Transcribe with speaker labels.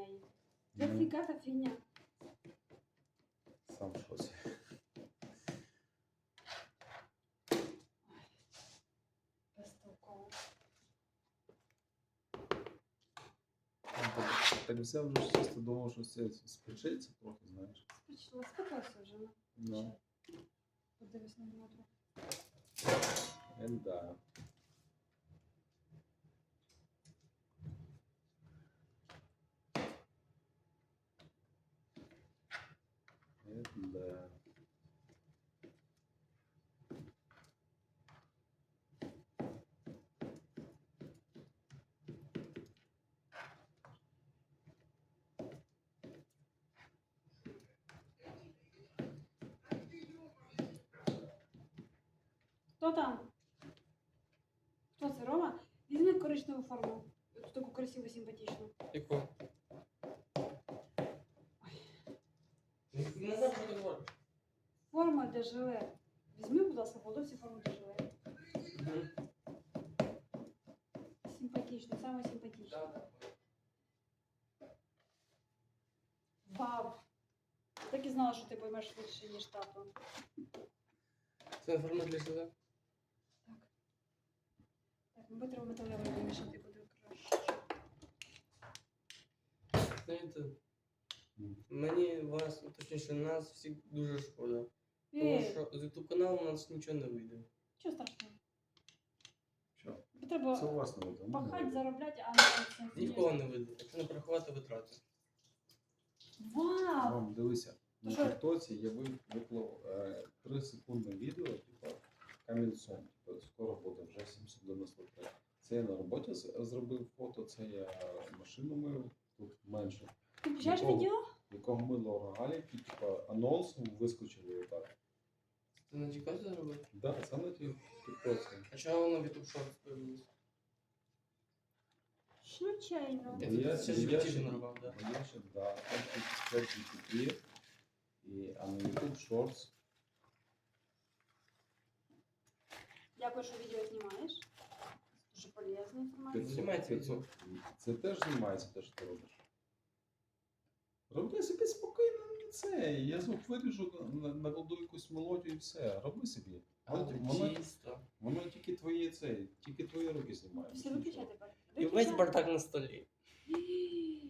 Speaker 1: неї. Це
Speaker 2: Ну.
Speaker 1: фіга фігня.
Speaker 2: Сам в шоці.
Speaker 1: Безтолково.
Speaker 2: Так взяв вже чисто думав, що це спричиться трохи, знаєш.
Speaker 1: Спокойся вже.
Speaker 2: Ну,
Speaker 1: Подивись на Дмитро.
Speaker 2: да. Да.
Speaker 1: Хто там? Хто це, Рома? Візьми коричневу форму. Цю таку красиву, симпатичну.
Speaker 3: Яку? Назад що ти говориш?
Speaker 1: Форма для жиле. Візьми, будь ласка, хлопці, форму для жиле. Симпатично, саме симпатично. Вау! Так і знала, що ти поймеш швидше, ніж тато.
Speaker 3: Це форма для жиле?
Speaker 1: Так. Так, ми треба металевий вимішати буде краще.
Speaker 3: Знаєте, мені вас, точніше, нас всіх дуже шкода. Тому
Speaker 1: Ей,
Speaker 3: що з YouTube каналу у нас нічого не вийде.
Speaker 1: чого страшного?
Speaker 2: Що?
Speaker 1: Тобі треба
Speaker 2: Це у вас не видно.
Speaker 1: пахати, заробляти, а не цим.
Speaker 3: Нікого не вийде, якщо не порахувати витрати.
Speaker 1: Вау!
Speaker 2: Вам дивися, на
Speaker 1: Що?
Speaker 2: тіктоці я виклав 3 секундне відео, типу, камінцом. Типу, скоро буде вже 793. Це я на роботі зробив фото, це я машину мив, тут менше.
Speaker 1: Ти включаєш
Speaker 2: Нікого.
Speaker 1: відео?
Speaker 2: Якого мило рогаліки, типу, анонсом вискочили отак.
Speaker 3: Ти на тіктоці зробив?
Speaker 2: Да, це на тіктоці.
Speaker 3: А чого воно в YouTube Shorts появилось?
Speaker 1: Случайно.
Speaker 3: Я
Speaker 2: Ну,
Speaker 3: тут ще
Speaker 2: я
Speaker 3: животі
Speaker 2: ще-
Speaker 3: нарубав, да.
Speaker 2: Я ще, да, там GPT, а на YouTube Shorts.
Speaker 1: Дякую, що відео знімаєш. Дуже полезна інформація.
Speaker 3: Знімається відео.
Speaker 2: Це теж знімається, те, що ти робиш. Роби собі спокійно не це. Я звук виріжу, накладу якусь мелодію і все. Роби собі.
Speaker 3: А
Speaker 2: Воно,
Speaker 3: чисто.
Speaker 2: воно тільки твої руки знімає.
Speaker 1: Все, виключай тепер.
Speaker 3: І весь бардак на столі.